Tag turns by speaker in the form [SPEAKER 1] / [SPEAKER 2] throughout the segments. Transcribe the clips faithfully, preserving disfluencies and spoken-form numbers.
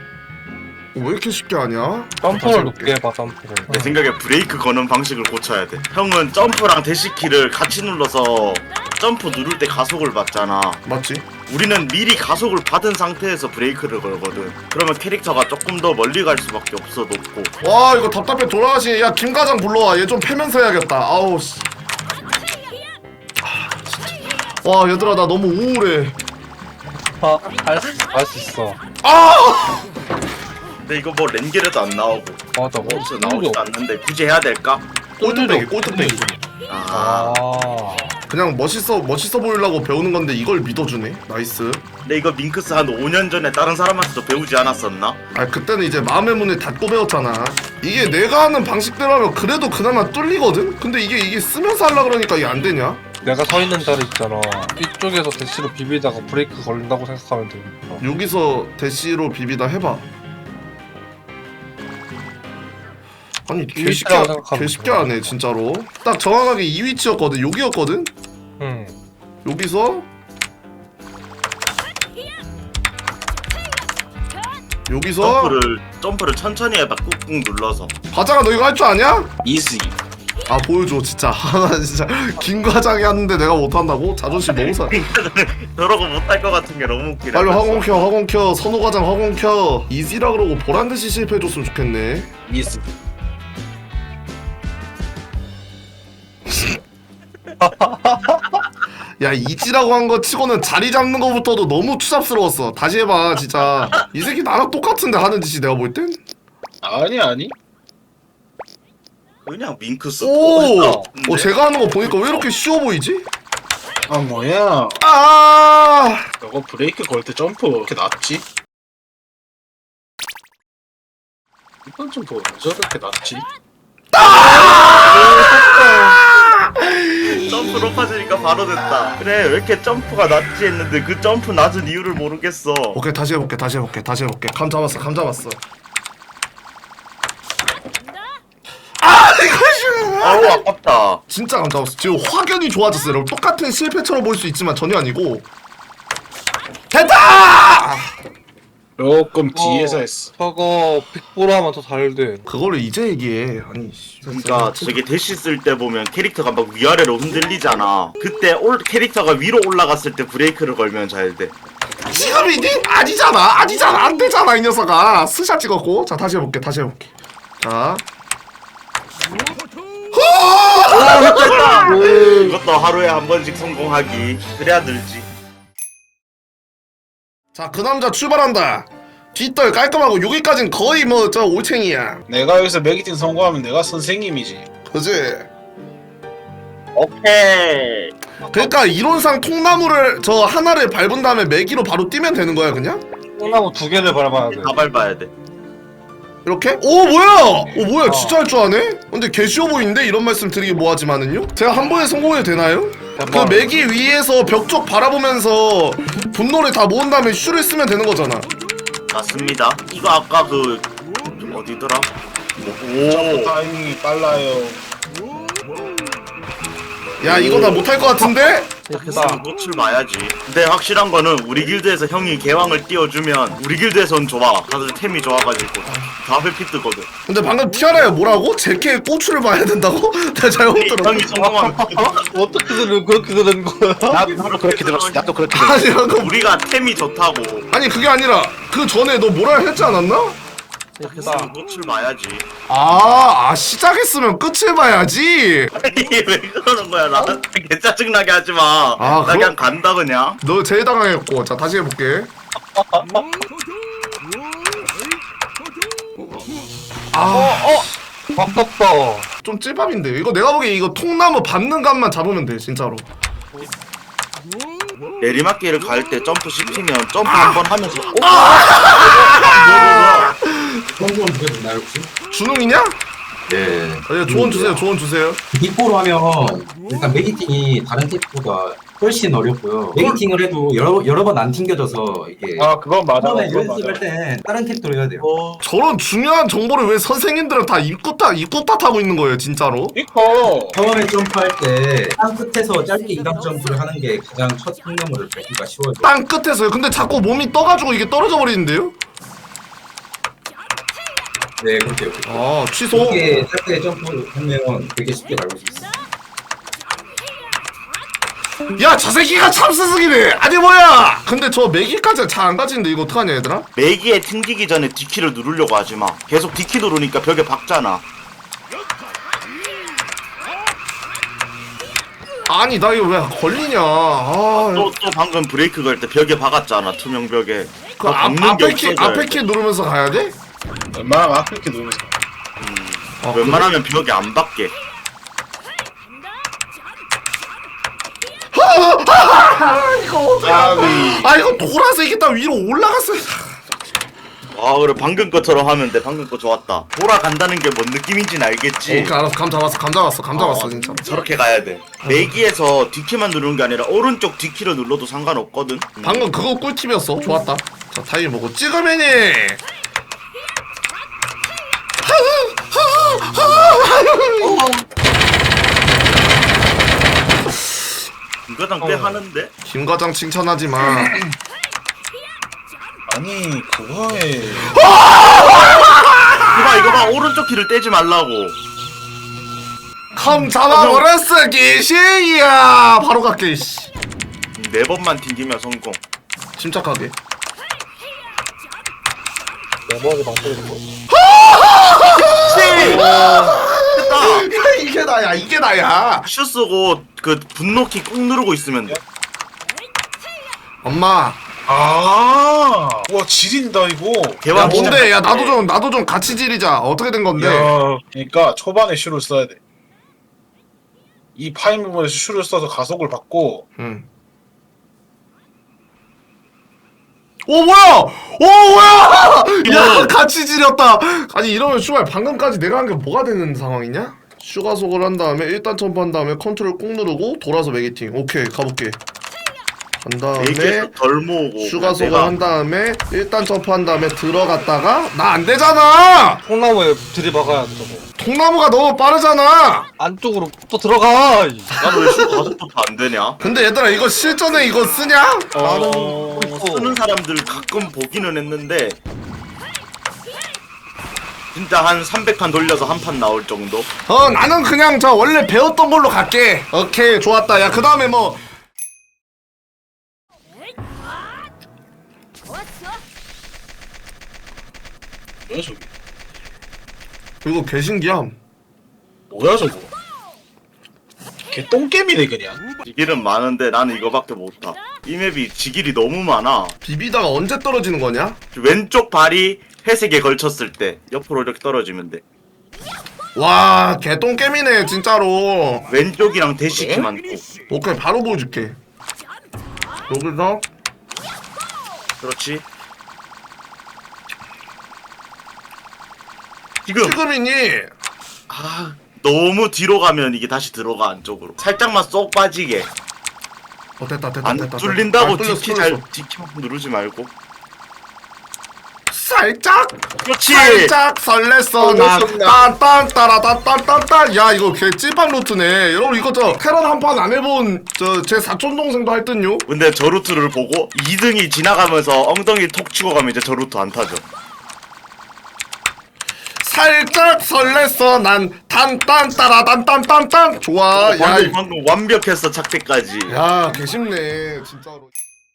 [SPEAKER 1] 왜 이렇게 쉽게 하냐?
[SPEAKER 2] 점프를 높게 해봐 점프를.
[SPEAKER 3] 내 생각에 브레이크 거는 방식을 고쳐야 돼. 형은 점프랑 대시키를 같이 눌러서 점프 누를 때 가속을 받잖아.
[SPEAKER 1] 맞지?
[SPEAKER 3] 우리는 미리 가속을 받은 상태에서 브레이크를 걸거든. 그러면 캐릭터가 조금 더 멀리 갈 수밖에 없어 높고.
[SPEAKER 1] 와 이거 답답해 돌아가시. 야 김과장 불러와. 얘 좀 패면서 해야겠다. 아우 씨. 와 얘들아 나 너무 우울해.
[SPEAKER 2] 아, 할수 있어.
[SPEAKER 1] 아!
[SPEAKER 3] 근데 이거 뭐 렌겔에도 안 나오고
[SPEAKER 2] 맞아. 뭐
[SPEAKER 3] 어디서 나오지도 않는데 굳이 해야 될까?
[SPEAKER 1] 꼴등배기 꼴등배기.
[SPEAKER 3] 아.
[SPEAKER 2] 아.
[SPEAKER 1] 그냥 멋있어 멋있어 보이려고 배우는 건데 이걸 믿어주네. 나이스.
[SPEAKER 3] 근데 이거 밍크스 한 오 년 전에 다른 사람한테도 배우지 않았었나?
[SPEAKER 1] 아 그때는 이제 마음의 문을 닫고 배웠잖아. 이게 내가 하는 방식대로 하면 그래도 그나마 뚫리거든? 근데 이게 이게 쓰면서 하려 그러니까 이게 안 되냐?
[SPEAKER 2] 내가 서 있는 자리 있잖아. 이쪽에서 대시로 비비다가 브레이크 걸린다고 생각하면 되겠다.
[SPEAKER 1] 여기서 대시로 비비다 해봐. 아니 개 쉽게
[SPEAKER 2] 위치라고
[SPEAKER 1] 하-
[SPEAKER 2] 생각하면
[SPEAKER 1] 개 쉽게 하네 진짜로. 딱 정확하게 이 위치였거든. 여기였거든.
[SPEAKER 2] 응.
[SPEAKER 1] 여기서 여기서
[SPEAKER 3] 점프를 점프를 천천히 해봐. 꾹꾹 눌러서.
[SPEAKER 1] 과장아 너 이거 할 줄 아냐?
[SPEAKER 3] 이지.
[SPEAKER 1] 아 보여줘 진짜. 하나 진짜 김 과장이 하는데 내가 못한다고? 자존심 너무 상.
[SPEAKER 3] 저러고 못할 것 같은 게 너무 웃기네.
[SPEAKER 1] 빨리 화공 켜 화공 켜. 선호 과장 화공 켜. 이지라 그러고 보란 듯이 실패해줬으면 좋겠네.
[SPEAKER 3] 이지.
[SPEAKER 1] 야 이지라고 한 거 치고는 자리 잡는 거부터도 너무 추잡스러웠어. 다시 해봐 진짜. 이 새끼 나랑 똑같은데 하는 짓이 내가 볼 땐?
[SPEAKER 4] 아니 아니
[SPEAKER 3] 그냥 밍크스.
[SPEAKER 1] 오!
[SPEAKER 3] 어,
[SPEAKER 1] 어 제가 하는 거 보니까 왜 이렇게 쉬워 보이지?
[SPEAKER 4] 아 뭐야
[SPEAKER 1] 아!
[SPEAKER 4] 너거 브레이크 걸 때 점프 왜 이렇게 낮지? 이건 좀 뭐 저렇게 낮지?
[SPEAKER 3] 점프 높아지니까 바로 됐다. 그래 왜 이렇게 점프가 낮지 했는데 그 점프 낮은 이유를 모르겠어.
[SPEAKER 1] 오케이 다시 해볼게 다시 해볼게 다시 해볼게. 감 잡았어 감 잡았어. 아 이거
[SPEAKER 3] 아우 아깝다.
[SPEAKER 1] 진짜 감 잡았어. 지금 확연히 좋아졌어요 여러분. 똑같은 실패처럼 보일 수 있지만 전혀 아니고. 됐다!
[SPEAKER 4] 조금 뒤에서 했어.
[SPEAKER 2] 저거 빅보로 하면 더 잘 돼.
[SPEAKER 1] 그거를 이제 얘기해. 아니 씨.
[SPEAKER 3] 그러니까 저게 대시 쓸 때 보면 캐릭터가 막 위아래로 흔들리잖아. 그때 올 캐릭터가 위로 올라갔을 때 브레이크를 걸면 잘 돼.
[SPEAKER 1] 지금이니? 아니잖아 아니잖아 안 되잖아 이 녀석아. 스샷 찍었고. 자 다시 해볼게 다시 해볼게. 자
[SPEAKER 3] 이것도 하루에 한 번씩 성공하기. 그래야 늘지.
[SPEAKER 1] 자, 그 남자 출발한다. 뒷덜 깔끔하고 여기까진 거의 뭐 저 올챙이야.
[SPEAKER 4] 내가 여기서 매기팅 성공하면 내가 선생님이지.
[SPEAKER 1] 그지?
[SPEAKER 3] 오케이.
[SPEAKER 1] 그러니까 이론상 통나무를 저 하나를 밟은 다음에 매기로 바로 뛰면 되는 거야 그냥?
[SPEAKER 2] 콩나무 두 개를 밟아야 돼.
[SPEAKER 3] 다 밟아야 돼.
[SPEAKER 1] 이렇게? 오 뭐야? 오 뭐야?
[SPEAKER 2] 어.
[SPEAKER 1] 진짜 할 줄 아네? 근데 개 쉬워 보이는데 이런 말씀 드리기 뭐하지만은요? 제가 한 번에 성공해도 되나요? 그 매기 위에서 벽 쪽 바라보면서 분노를 다 모은 다음에 슈를 쓰면 되는 거잖아.
[SPEAKER 3] 맞습니다. 이거 아까 그 어디더라?
[SPEAKER 4] 점프
[SPEAKER 3] 오.
[SPEAKER 4] 타이밍이 빨라요.
[SPEAKER 1] 야 이거 나 못할 것 같은데?
[SPEAKER 3] 있으면 꽃을 봐야지. 근데 확실한 거는 우리 길드에서 형이 개왕을 띄워주면 우리 길드에선 좋아. 다들 템이 좋아가지고 다 회피 뜨거든.
[SPEAKER 1] 근데 방금 티아라야 뭐라고? 제케의 고추를 봐야 된다고? 내가 잘못 들었어.
[SPEAKER 3] 형이 성공하면
[SPEAKER 2] 어떻게 들은 그렇게 들은 거야?
[SPEAKER 5] 나도 그렇게 들었어. 나도 그렇게 들었어.
[SPEAKER 1] 아니 방금
[SPEAKER 3] 우리가 템이 좋다고.
[SPEAKER 1] 아니 그게 아니라 그 전에 너 뭐라 했지 않았나?
[SPEAKER 3] 있으면 꽃을 봐야지.
[SPEAKER 1] 아, 아 시작했으면 끝을 봐야지.
[SPEAKER 3] 아니 왜 그러는 거야? 나한테 개 짜증나게 하지 마.
[SPEAKER 1] 아,
[SPEAKER 3] 나
[SPEAKER 1] 그럼-
[SPEAKER 3] 그냥 간다 그냥.
[SPEAKER 1] 너 제일 당황했고. 자 다시 해볼게. 아,
[SPEAKER 2] 바꿨다.
[SPEAKER 1] 좀 찔밥인데 이거 내가 보기에 이거 통나무 밟는 감만 잡으면 돼 진짜로.
[SPEAKER 3] 내리막길을 갈 때 점프 시키면 점프 한 번 하면서 어?
[SPEAKER 6] 성공 누가 됐나요 혹시?
[SPEAKER 1] 준웅이냐?
[SPEAKER 6] 네.
[SPEAKER 1] 아, 예, 조언 주세요. 조언 주세요.
[SPEAKER 6] 빅포로 하면 일단 매기팅이 다른 탭보다 훨씬 어렵고요. 매기팅을 해도 여러 여러 번 안 튕겨져서 이게
[SPEAKER 4] 아 그건 맞아.
[SPEAKER 6] 처음에
[SPEAKER 4] 그건
[SPEAKER 6] 연습할
[SPEAKER 4] 맞아.
[SPEAKER 6] 때 다른 탭도 해야 돼요.
[SPEAKER 1] 저런 중요한 정보를 왜 선생님들은 다 입구 탓 입구 탓하고 있는 거예요 진짜로?
[SPEAKER 4] 이거
[SPEAKER 6] 처음에 점프할 때 땅 끝에서 짧게 이단 점프를 하는 게 가장 첫 통나무를 밟기가 쉬워요.
[SPEAKER 1] 땅 끝에서요. 근데 자꾸 몸이 떠가지고 이게 떨어져 버리는데요?
[SPEAKER 6] 네 그렇게 이렇게.
[SPEAKER 1] 아 취소.
[SPEAKER 6] 이렇게 짧게 점프하면 되게 쉽게 밟을 수 있어요.
[SPEAKER 1] 야 저 새끼가 참 스승이네. 아니 뭐야? 근데 저 매기까지 잘 안 가지는데 이거 어떡하냐 얘들아?
[SPEAKER 3] 매기에 튕기기 전에 D키를 누르려고 하지 마. 계속 D키 누르니까 벽에 박잖아.
[SPEAKER 1] 아니 나 이거 왜 걸리냐? 아,
[SPEAKER 3] 또, 또 방금 브레이크 걸 때 벽에 박았잖아. 투명 벽에.
[SPEAKER 1] 그 앞, 앞에 키 앞에 키 누르면서 가야 돼?
[SPEAKER 4] 웬만하면 앞에 이렇게 누르면서.
[SPEAKER 1] 아,
[SPEAKER 3] 웬만하면 벽에 안 박게.
[SPEAKER 1] 아 이거 돌아서 이게 다 위로 올라갔어.
[SPEAKER 3] 와 그래 방금 것처럼 하면 돼. 방금 거 좋았다. 돌아간다는 게 뭔 느낌인지는 알겠지.
[SPEAKER 1] 오케이 알았어. 감 잡았어. 감 잡았어. 감 잡았어
[SPEAKER 3] 어,
[SPEAKER 1] 진짜.
[SPEAKER 3] 저렇게 가야 돼. 내기에서 D키만 누르는 게 아니라 오른쪽 D키를 눌러도 상관없거든. 음.
[SPEAKER 1] 방금 그거 꿀팁이었어. 좋았다. 자 타임 보고 찍으면이.
[SPEAKER 3] 이거당 꽤 하는데?
[SPEAKER 1] 김 과장 칭찬하지 마.
[SPEAKER 4] 아니 그거에
[SPEAKER 3] 이거 봐 이거 봐 오른쪽 키를 떼지 말라고.
[SPEAKER 1] 컴 잡아버렸어 개시야. 바로 갈게 씨.
[SPEAKER 3] 네 번만 튕기면 성공.
[SPEAKER 1] 침착하게.
[SPEAKER 2] 내버하게 방패를 거.
[SPEAKER 3] 됐다.
[SPEAKER 1] 야 이게 나야. 이게 나야.
[SPEAKER 3] 슈 쓰고 그 분노키 꾹 누르고 있으면 돼.
[SPEAKER 1] 엄마.
[SPEAKER 4] 아, 와 지린다 이거.
[SPEAKER 1] 야
[SPEAKER 3] 대왕
[SPEAKER 1] 뭔데? 야 나도 좀 나도 좀 같이 지리자. 어떻게 된 건데?
[SPEAKER 4] 야, 그러니까 초반에 슈를 써야 돼. 이 파인 부분에서 슈를 써서 가속을 받고
[SPEAKER 1] 응. 오 뭐야? 오 뭐야? 야 같이 지렸다. 아니 이러면 슈발 방금까지 내가 한 게 뭐가 되는 상황이냐? 슈가속을 한 다음에 일단 점프한 다음에 컨트롤 꾹 누르고 돌아서 매기팅. 오케이 가볼게. 한 다음에
[SPEAKER 3] 내기에서 덜 모으고.
[SPEAKER 1] 슈가속을
[SPEAKER 3] 내가
[SPEAKER 1] 한 다음에 일단 점프한 다음에 들어갔다가 나 안 되잖아.
[SPEAKER 2] 콩나무에 들이박아야 돼 저거.
[SPEAKER 1] 통나무가 너무 빠르잖아.
[SPEAKER 2] 안쪽으로 또 들어가. 이.
[SPEAKER 3] 나는 왜슈 가속도 다 안 되냐?
[SPEAKER 1] 근데 얘들아 이거 실전에 이거 쓰냐?
[SPEAKER 3] 어...
[SPEAKER 2] 있어.
[SPEAKER 3] 쓰는 사람들 가끔 보기는 했는데 진짜 한 삼백 칸 돌려서 한 판 나올 정도?
[SPEAKER 1] 어 나는 그냥 저 원래 배웠던 걸로 갈게. 오케이 좋았다. 야 그 다음에 뭐
[SPEAKER 4] 뭐야 저기?
[SPEAKER 1] 이거 개신기함.
[SPEAKER 4] 뭐야 저거? 개 똥개미네 그냥.
[SPEAKER 3] 지길은 많은데 나는 이거밖에 못타. 이 맵이 지길이 너무 많아.
[SPEAKER 1] 비비다가 언제 떨어지는 거냐?
[SPEAKER 3] 왼쪽 발이 회색에 걸쳤을 때 옆으로 이렇게 떨어지면 돼.
[SPEAKER 1] 와 개똥개미네 진짜로.
[SPEAKER 3] 왼쪽이랑 대시키만 고.
[SPEAKER 1] 오케이 바로 보여줄게. 여기서
[SPEAKER 3] 그렇지. 지금
[SPEAKER 1] 지금이니.
[SPEAKER 3] 아 너무 뒤로 가면 이게 다시 들어가 안쪽으로. 살짝만 쏙 빠지게.
[SPEAKER 1] 어 됐다 됐다
[SPEAKER 3] 안
[SPEAKER 1] 됐다.
[SPEAKER 3] 뚫린다고
[SPEAKER 1] 됐다. 아, 뚫렸어,
[SPEAKER 3] 디키
[SPEAKER 1] 뚫렸어.
[SPEAKER 3] 잘 디키 누르지 말고.
[SPEAKER 1] 살짝
[SPEAKER 3] 그렇지.
[SPEAKER 1] 살짝 설렜어 난딴딴 따라딴딴딴딴. 야 이거 개 찐빵 루트네 여러분. 이거 저 테란 한 판 안 해본 저 제 사촌 동생도 할 듯요.
[SPEAKER 3] 근데 저 루트를 보고 이 등이 지나가면서 엉덩이 톡 치고 가면 이제 저 루트 안 타죠.
[SPEAKER 1] 살짝 설렜어 난 딴딴 따라딴딴딴딴. 좋아. 야,
[SPEAKER 3] 방금,
[SPEAKER 1] 이-
[SPEAKER 3] 방금 완벽했어 착대까지.
[SPEAKER 1] 야 개쉽네 진짜로.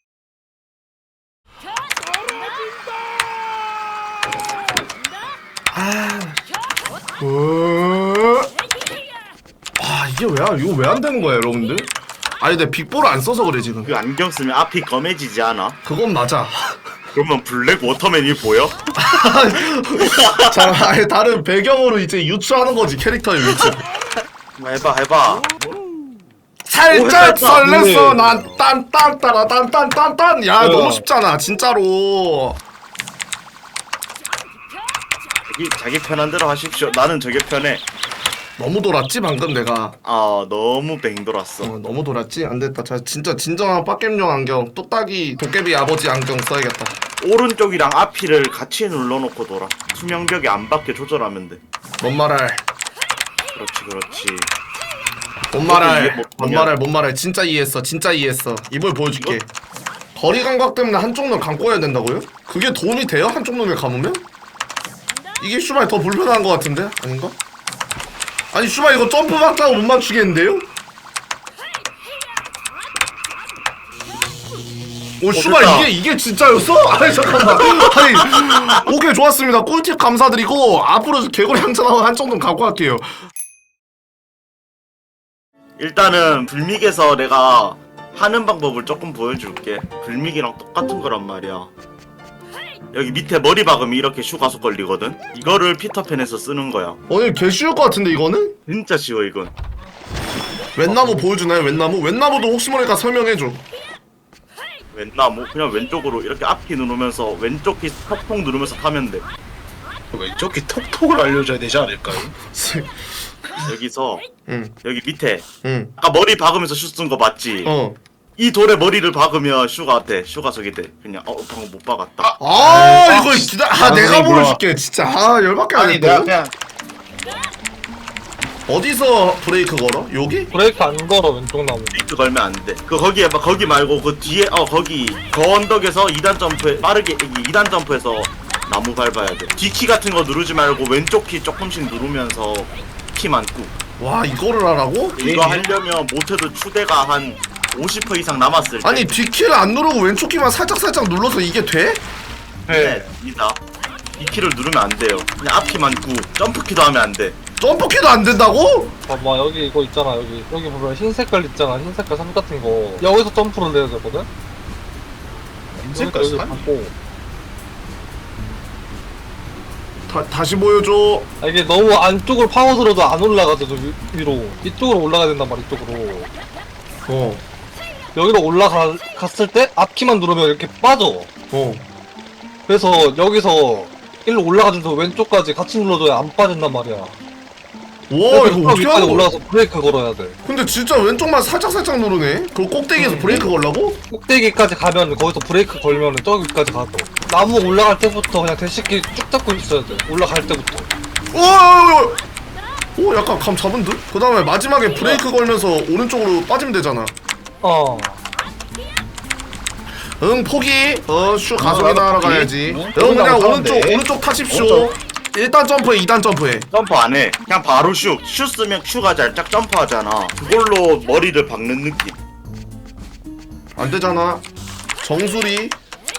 [SPEAKER 1] 아, 어... 아 이게 왜야? 이거 왜 안 되는 거야 여러분들? 아니 내 빅볼을 안 써서 그래 지금.
[SPEAKER 3] 그 안경 쓰면 앞이 검해지지 않아?
[SPEAKER 1] 그건 맞아.
[SPEAKER 3] 그러면 블랙 워터맨이 보여?
[SPEAKER 1] 자, 아예 다른 배경으로 이제 유추하는 거지 캐릭터의 위치.
[SPEAKER 3] 한번 해봐 해봐.
[SPEAKER 1] 살짝
[SPEAKER 3] 오,
[SPEAKER 1] 설렜어 난 딴딴 따라 딴딴딴딴. 야
[SPEAKER 2] 어.
[SPEAKER 1] 너무 쉽잖아 진짜로.
[SPEAKER 3] 자기, 자기 편한 대로 하십시오. 나는 저게 편해.
[SPEAKER 1] 너무 돌았지 방금 내가.
[SPEAKER 3] 아 너무 뱅 돌았어.
[SPEAKER 1] 어, 너무 돌았지? 안 됐다. 자, 진짜 진정한 빡겜용 안경. 뚝딱이 도깨비 아버지 안경 써야겠다.
[SPEAKER 3] 오른쪽이랑 앞이를 같이 눌러놓고 돌아. 투명벽에 안 받게 조절하면 돼.
[SPEAKER 1] 뭔 말할?
[SPEAKER 3] 그렇지 그렇지.
[SPEAKER 1] 뭔
[SPEAKER 3] 이해
[SPEAKER 1] 말할?
[SPEAKER 3] 못하면-
[SPEAKER 1] 뭔 말할? 뭔 말할? 진짜 이해했어. 진짜 이해했어. 이걸 보여줄게. 거리 감각 때문에 한쪽 눈 감고 해야 된다고요? 그게 도움이 돼요? 한쪽 눈을 감으면? 이게 슈발 더 불편한 것 같은데? 아닌가? 아니 슈발 이거 점프 박자고 못 맞추겠는데요? 오 슈발
[SPEAKER 3] 됐다.
[SPEAKER 1] 이게 이게 진짜였어? 아니 잠깐만. 아니 오케이 좋았습니다. 꿀팁 감사드리고 앞으로 개구리 항차 나오면 한쪽 눈 감고 할게요.
[SPEAKER 3] 일단은 불믹에서 내가 하는 방법을 조금 보여줄게. 불믹이랑 똑같은 거란 말이야. 여기 밑에 머리 박으면 이렇게 슈 가속 걸리거든. 이거를 피터팬에서 쓰는 거야.
[SPEAKER 1] 오늘 개 쉬울 것 같은데 이거는?
[SPEAKER 3] 진짜 쉬워 이건.
[SPEAKER 1] 웬나무 보여주나요? 웬나무? 웬나무도 혹시 모르니까 설명해줘.
[SPEAKER 3] 왼나무 그냥 왼쪽으로 이렇게 앞키 누르면서 왼쪽 키 톡톡 누르면서 타면 돼.
[SPEAKER 4] 왼쪽 귀 톡톡을 알려줘야 되지 않을까요?
[SPEAKER 3] 여기서
[SPEAKER 1] 응,
[SPEAKER 3] 여기 밑에
[SPEAKER 1] 응,
[SPEAKER 3] 아까 머리 박으면서 슈 쓴 거 맞지?
[SPEAKER 1] 어.
[SPEAKER 3] 이 돌에 머리를 박으면 슈가 돼. 슈가 저기 돼. 그냥 어 방금 못 박았다.
[SPEAKER 1] 아 이거 기다. 아
[SPEAKER 4] 아,
[SPEAKER 1] 내가
[SPEAKER 4] 선생님,
[SPEAKER 1] 보여줄게 진짜. 아 열받게
[SPEAKER 4] 아니
[SPEAKER 1] 하네
[SPEAKER 4] 내가
[SPEAKER 1] 또.
[SPEAKER 4] 그냥
[SPEAKER 1] 어디서 브레이크 걸어? 여기?
[SPEAKER 2] 브레이크 안 걸어 왼쪽 나무.
[SPEAKER 3] 브레이크 걸면 안 돼. 그 거기에 막 거기 말고 그 뒤에 어 거기 그 언덕에서 이 단 점프에 빠르게 이 단 점프해서 나무 밟아야 돼. 뒤키 같은 거 누르지 말고 왼쪽 키 조금씩 누르면서 키만 꾹.
[SPEAKER 1] 와 이거를 하라고?
[SPEAKER 3] 이거 하려면 못해도 추대가 한 오십 퍼센트 이상 남았을 때.
[SPEAKER 1] 아니 뒷키를 안 누르고 왼쪽 키만 살짝 살짝 눌러서 이게 돼?
[SPEAKER 3] 네, 이다. 이 키를 누르면 안 돼요. 그냥 앞 키만 꾹. 점프 키도 하면 안 돼.
[SPEAKER 1] 점프 키도 안 된다고?
[SPEAKER 2] 봐봐 여기 이거 있잖아 여기 여기 보면 흰 색깔 있잖아 흰 색깔 선 같은 거 여기서 점프를 내야 되거든.
[SPEAKER 4] 색깔
[SPEAKER 2] 여기
[SPEAKER 4] 산?
[SPEAKER 2] 받고.
[SPEAKER 1] 다, 다시 보여줘.
[SPEAKER 2] 아, 이게 너무 안쪽으로 파고들어도 안 올라가죠 저 위, 위로 이쪽으로 올라가야 된단 말이야 이쪽으로.
[SPEAKER 1] 어,
[SPEAKER 2] 여기로 올라갔을 때 앞키만 누르면 이렇게 빠져.
[SPEAKER 1] 어.
[SPEAKER 2] 그래서 여기서 일로 올라가줘서 왼쪽까지 같이 눌러줘야 안 빠진단 말이야.
[SPEAKER 1] 와 이거 어떻게
[SPEAKER 2] 위까지
[SPEAKER 1] 하는 거야?
[SPEAKER 2] 올라가서 브레이크 걸어야 돼.
[SPEAKER 1] 근데 진짜 왼쪽만 살짝 살짝 누르네. 그 꼭대기에서 브레이크 걸라고?
[SPEAKER 2] 꼭대기까지 가면 거기서 브레이크 걸면 저기까지 가도. 나무 올라갈 때부터 그냥 대식기 쭉 잡고 있어야 돼. 올라갈 때부터.
[SPEAKER 1] 오, 오 약간 감 잡은 듯? 그 다음에 마지막에 브레이크 걸면서 오른쪽으로 빠지면 되잖아.
[SPEAKER 2] 어.
[SPEAKER 1] 응 포기. 어슈 가속이나
[SPEAKER 4] 나도
[SPEAKER 1] 하러
[SPEAKER 4] 포기.
[SPEAKER 1] 가야지.
[SPEAKER 4] 응?
[SPEAKER 1] 형 그냥
[SPEAKER 4] 나도
[SPEAKER 1] 오른쪽
[SPEAKER 4] 타는데.
[SPEAKER 1] 오른쪽 타십시오.
[SPEAKER 4] 오른쪽.
[SPEAKER 1] 일 단 점프해 이 단 점프해.
[SPEAKER 3] 점프 안 해. 그냥 바로 슈. 슈 쓰면 슈가 살짝 점프하잖아. 그걸로 머리를 박는 느낌.
[SPEAKER 1] 안 되잖아. 정수리.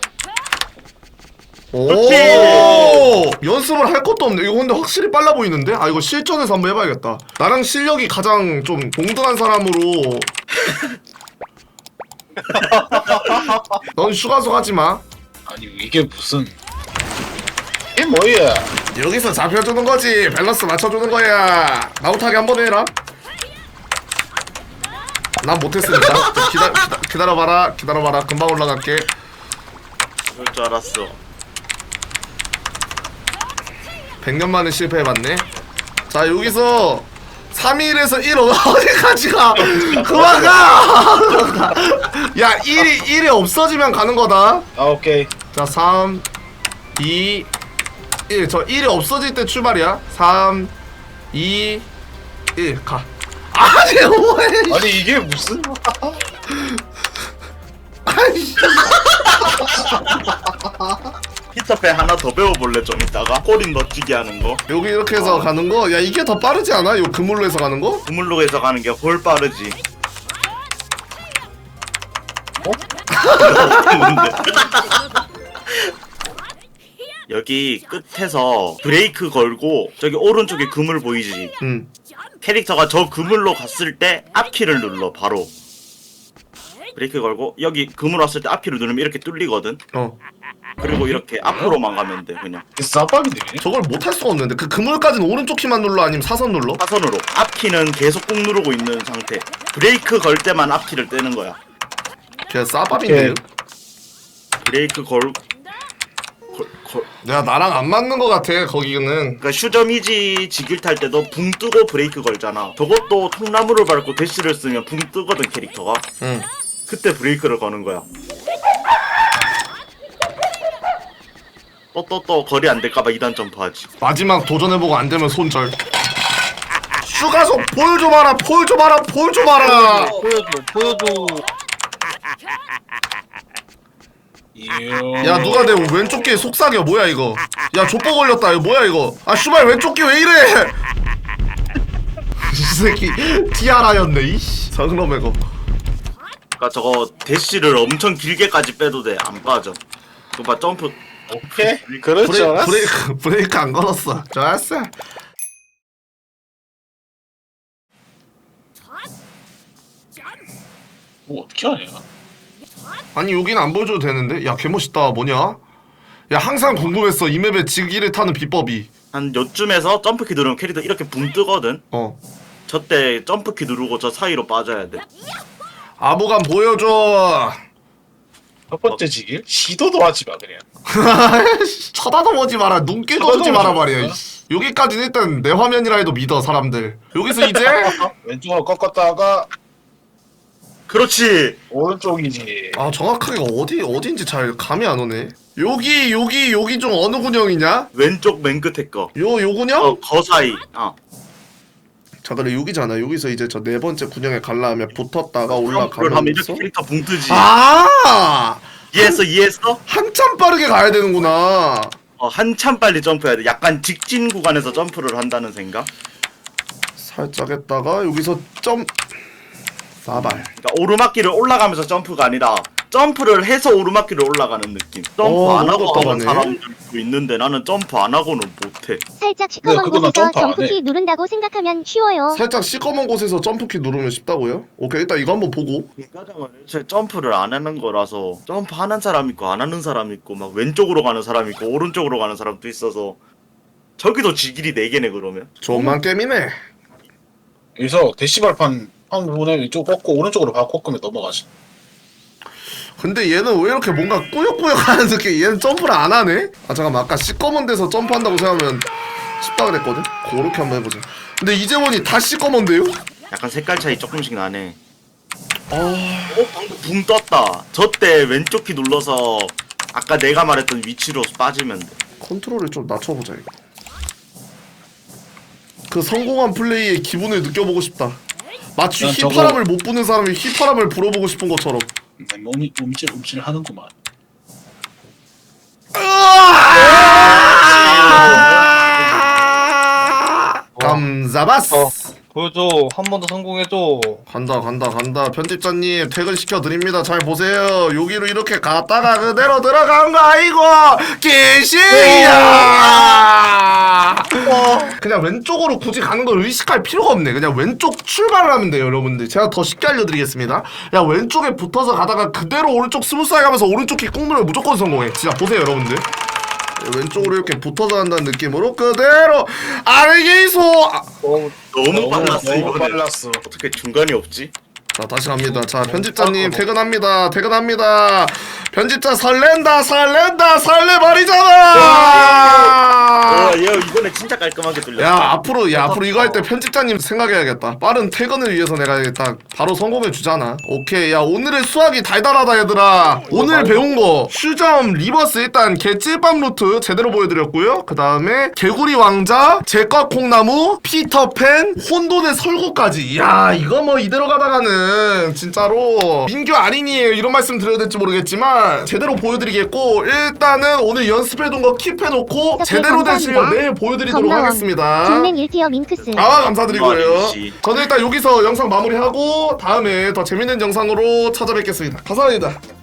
[SPEAKER 1] 오
[SPEAKER 3] 그렇지.
[SPEAKER 1] 연습을 할 것도 없네. 이거 근데 확실히 빨라 보이는데? 아 이거 실전에서 한번 해봐야겠다. 나랑 실력이 가장 좀 동등한 사람으로. 넌 슈가속 하지 마.
[SPEAKER 4] 아니 이게 무슨 이게 뭐야?
[SPEAKER 1] 여기서 잡혀주는 거지. 밸런스 맞춰주는 거야. 나우타기 한번 해라. 난 못했으니까. 기다, 기다, 기다려봐라. 기다려봐라. 금방 올라갈게.
[SPEAKER 3] 그럴 줄 알았어.
[SPEAKER 1] 백 년 만에 실패해봤네. 자 여기서 삼 일에서 일 어디까지 가? 그만 가! 야 일이 일이 없어지면 가는 거다.
[SPEAKER 4] 아 오케이.
[SPEAKER 1] 자 삼 이 일. 저 일이 없어질 때 출발이야. 삼 이 일 가. 아니 뭐해?
[SPEAKER 4] 아니 이게 무슨?
[SPEAKER 1] 아이씨.
[SPEAKER 3] 피터팬 하나 더 배워볼래 좀 이따가 꼬린 멋지게 하는 거.
[SPEAKER 1] 여기 이렇게 해서 가는 거? 야 이게 더 빠르지 않아? 요 그물로 해서 가는 거?
[SPEAKER 3] 우물로에서 가는 게 훨 빠르지. 어? 여기 끝에서 브레이크 걸고 저기 오른쪽에 그물 보이지?
[SPEAKER 1] 응.
[SPEAKER 3] 캐릭터가 저 그물로 갔을 때 앞키를 눌러 바로. 브레이크 걸고 여기 그물 왔을 때 앞키를 누르면 이렇게 뚫리거든.
[SPEAKER 1] 어.
[SPEAKER 3] 그리고 이렇게 앞으로만 가면 돼 그냥.
[SPEAKER 4] 싸박이네.
[SPEAKER 1] 저걸 못 할 수가 없는데 그 그물까지는 오른쪽 키만 눌러 아니면 사선 눌러?
[SPEAKER 3] 사선으로 앞키는 계속 꾹 누르고 있는 상태. 브레이크 걸 때만 앞키를 떼는 거야.
[SPEAKER 1] 그냥 싸밥인데요?
[SPEAKER 3] 브레이크 걸... 걸... 걸...
[SPEAKER 1] 내가 나랑 안 맞는 거 같아 거기는.
[SPEAKER 3] 그러니까 슈저미지 지길 탈 때도 붕 뜨고 브레이크 걸잖아. 저것도 통나무를 밟고 대시를 쓰면 붕 뜨거든 캐릭터가.
[SPEAKER 1] 응.
[SPEAKER 3] 그때 브레이크를 거는 거야. 또 또 또 거리 안 될까봐 이 단 점프하지.
[SPEAKER 1] 마지막 도전해보고 안 되면 손절. 슈가속 볼 좀 봐라 볼 좀 봐라 볼 좀 봐라.
[SPEAKER 2] 보여줘 보여줘.
[SPEAKER 1] 야 누가 내 왼쪽 귀에 속삭여 뭐야 이거. 야 족보 걸렸다 이거 뭐야 이거. 아 슈발 왼쪽 귀 왜 이래. 이 새끼 티아라였네 이씨. 성놈의 거.
[SPEAKER 3] 그러니까 저거 대시를 엄청 길게까지 빼도 돼. 안 빠져. 그거 봐 점프.
[SPEAKER 4] 오케이. 그렇지
[SPEAKER 1] 브레,
[SPEAKER 4] 않았어?
[SPEAKER 1] 브레이크 브레이크 안 걸었어. 좋았어.
[SPEAKER 4] 뭐 어떻게 하냐?
[SPEAKER 1] 아니 여기는 안 보여줘도 되는데? 야 개멋있다 뭐냐? 야 항상 궁금했어 이 맵에 지기를 타는 비법이.
[SPEAKER 3] 한 요쯤에서 점프키 누르면 캐릭터 이렇게 붕 뜨거든.
[SPEAKER 1] 어.
[SPEAKER 3] 저때 점프키 누르고 저 사이로 빠져야 돼.
[SPEAKER 1] 아무감 보여줘.
[SPEAKER 4] 첫 번째 지길? 시도도 하지 마 그냥.
[SPEAKER 1] 쳐다도 마라 눈길 떠주지 마라
[SPEAKER 4] 쳐다보지
[SPEAKER 1] 말이야.
[SPEAKER 4] 마.
[SPEAKER 1] 여기까지는 일단 내 화면이라 해도 믿어 사람들. 여기서 이제
[SPEAKER 4] 왼쪽으로 꺾었다가
[SPEAKER 3] 그렇지.
[SPEAKER 4] 오른쪽이지.
[SPEAKER 1] 아 정확하게 어디 어딘지 잘 감이 안 오네. 여기 여기 여기 중 어느 군형이냐?
[SPEAKER 3] 왼쪽 맨 끝에 거.
[SPEAKER 1] 요 요 군형?
[SPEAKER 3] 어, 거 사이. 어.
[SPEAKER 1] 자 그래 여기잖아. 여기서 이제 저 네 번째 군형에 갈라면 붙었다가
[SPEAKER 3] 그걸 하면
[SPEAKER 1] 올라가면서.
[SPEAKER 3] 이렇게 캐릭터 붕 뜨지.
[SPEAKER 1] 아
[SPEAKER 3] 이해했어, 이해했어?
[SPEAKER 1] 한참 빠르게 가야 되는구나.
[SPEAKER 3] 어, 한참 빨리 점프해야 돼. 약간 직진 구간에서 점프를 한다는 생각?
[SPEAKER 1] 살짝 했다가 여기서 점 사발.
[SPEAKER 3] 그러니까 오르막길을 올라가면서 점프가 아니라 점프를 해서 오르막길을 올라가는 느낌. 점프
[SPEAKER 1] 어,
[SPEAKER 3] 안 하고
[SPEAKER 1] 너무
[SPEAKER 3] 하는
[SPEAKER 1] 답답하네.
[SPEAKER 3] 사람들도 있는데 나는 점프 안 하고는 못해.
[SPEAKER 7] 살짝
[SPEAKER 4] 네,
[SPEAKER 7] 시커먼
[SPEAKER 4] 그거는
[SPEAKER 7] 곳에서
[SPEAKER 4] 점프 안 해.
[SPEAKER 7] 점프키 누른다고 생각하면 쉬워요.
[SPEAKER 1] 살짝 시커먼 곳에서 점프키 누르면 쉽다고요? 오케이 일단 이거 한번 보고.
[SPEAKER 3] 가장은 애초에 점프를 안 하는 거라서 점프 하는 사람 있고 안 하는 사람 있고 막 왼쪽으로 가는 사람 있고 오른쪽으로 가는 사람도 있어서 저기도 지길이 네 개네 그러면.
[SPEAKER 1] 좋은 게임이네.
[SPEAKER 4] 여기서 대시발판 한 부분에 왼쪽 꺾고 오른쪽으로 바꿔 꺾으면 넘어가지.
[SPEAKER 1] 근데 얘는 왜 이렇게 뭔가 꾸역꾸역 하는 느낌. 얘는 점프를 안 하네? 아 잠깐만 아까 시꺼먼 데서 점프한다고 생각하면 쉽다 그랬거든? 그렇게 한번 해보자. 근데 이제 보니 다 시꺼먼데요?
[SPEAKER 3] 약간 색깔 차이 조금씩 나네.
[SPEAKER 1] 아...
[SPEAKER 3] 어 방금 붕 떴다. 저 때 왼쪽 키 눌러서 아까 내가 말했던 위치로 빠지면 돼.
[SPEAKER 1] 컨트롤을 좀 낮춰보자 이거. 그 성공한 플레이의 기분을 느껴보고 싶다. 마치
[SPEAKER 4] 난 저거-
[SPEAKER 1] 휘파람을 못 부는 사람이 휘파람을 불어보고 싶은 것처럼.
[SPEAKER 4] 내 몸이 움찔 움찔 하는구만.
[SPEAKER 1] 감사바스.
[SPEAKER 2] 어. 보여줘. 한 번 더 성공해줘.
[SPEAKER 1] 간다 간다 간다. 편집자님 퇴근시켜 드립니다. 잘 보세요. 여기로 이렇게 갔다가 그대로 들어간 거 아이고 개시야. 그냥 왼쪽으로 굳이 가는 걸 의식할 필요가 없네. 그냥 왼쪽 출발을 하면 돼요 여러분들. 제가 더 쉽게 알려드리겠습니다. 야 왼쪽에 붙어서 가다가 그대로 오른쪽 스무스하게 가면서 오른쪽 키 꾹 누르면 무조건 성공해. 진짜 보세요 여러분들. 왼쪽으로 이렇게 붙어서 간다는 느낌으로 그대로 아르게이소. 아,
[SPEAKER 2] 너무
[SPEAKER 3] 너무 빨랐어
[SPEAKER 4] 너무
[SPEAKER 3] 이거는.
[SPEAKER 4] 빨랐어.
[SPEAKER 3] 어떻게 중간이 없지?
[SPEAKER 1] 자 다시 갑니다. 자 편집자님 퇴근합니다. 퇴근합니다. 편집자 설렌다 설렌다 설레버리잖아.
[SPEAKER 3] 어, 얘 이거 이번에 진짜 깔끔하게 뚫렸다.
[SPEAKER 1] 야 앞으로 야 앞으로 이거 할 때 편집자님 생각해야겠다. 빠른 퇴근을 위해서 내가 딱 바로 성공해 주잖아. 오케이. 야 오늘의 수학이 달달하다 얘들아. 오늘 배운 거 슈점 리버스 일단 개찔밤 루트 제대로 보여드렸고요. 그 다음에 개구리 왕자 제과 콩나무 피터팬 혼돈의 설구까지. 야 이거 뭐 이대로 가다가는 진짜로 민규 아린이에요 이런 말씀 드려야 될지 모르겠지만 제대로 보여드리겠고 일단은 오늘 연습해둔 거 킵해놓고 제대로 된 실력 내일 보여드리도록
[SPEAKER 7] 건강원.
[SPEAKER 1] 하겠습니다.
[SPEAKER 7] 중맹 일 티어 밍크스.
[SPEAKER 1] 아 감사드리고요.
[SPEAKER 3] 아저씨.
[SPEAKER 1] 저는 일단 여기서 영상 마무리하고 다음에 더 재밌는 영상으로 찾아뵙겠습니다. 감사합니다.